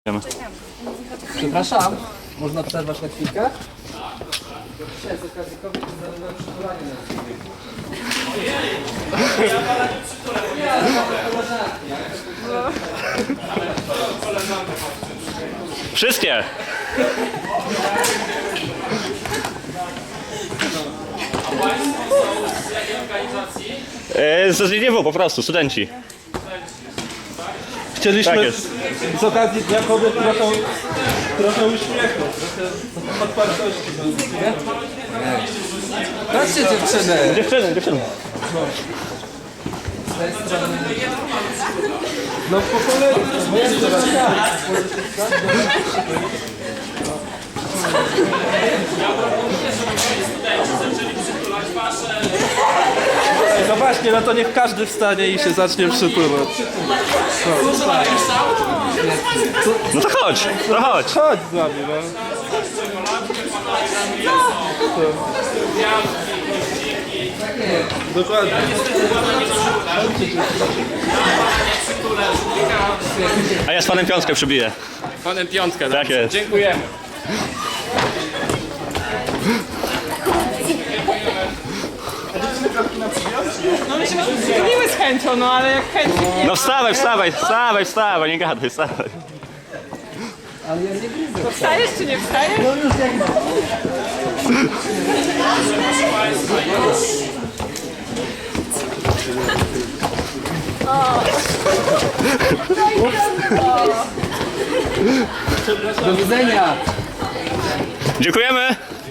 Przepraszam, można przerwać na chwilkę? Dzisiaj z okazji kobiet zrobiłem przytulanie na chwilę. Wszystkie! A Państwo są z jakiej organizacji? Z ZGW po prostu, studenci. Chcieliśmy Tak jest. z okazji Dnia Kobiet trochę uśmiechu, trochę otwartości. Patrzcie dziewczyny! Dziewczyny. Z tej strony. No po kolei. No właśnie, no to niech każdy wstanie i się zacznie przytulać. No to chodź, to chodź. Chodź z nami, no. Dokładnie. A ja z panem piątkę przybiję. Panem piątkę. Tak jest. Dziękujemy. No my się byśmy przytuliły z chęcią, no ale jak chęci nie No wstawaj, nie gadaj, wstawaj. Ale ja nie widzę. wstajesz czy nie wstajesz? No już jak Do widzenia! Dziękujemy.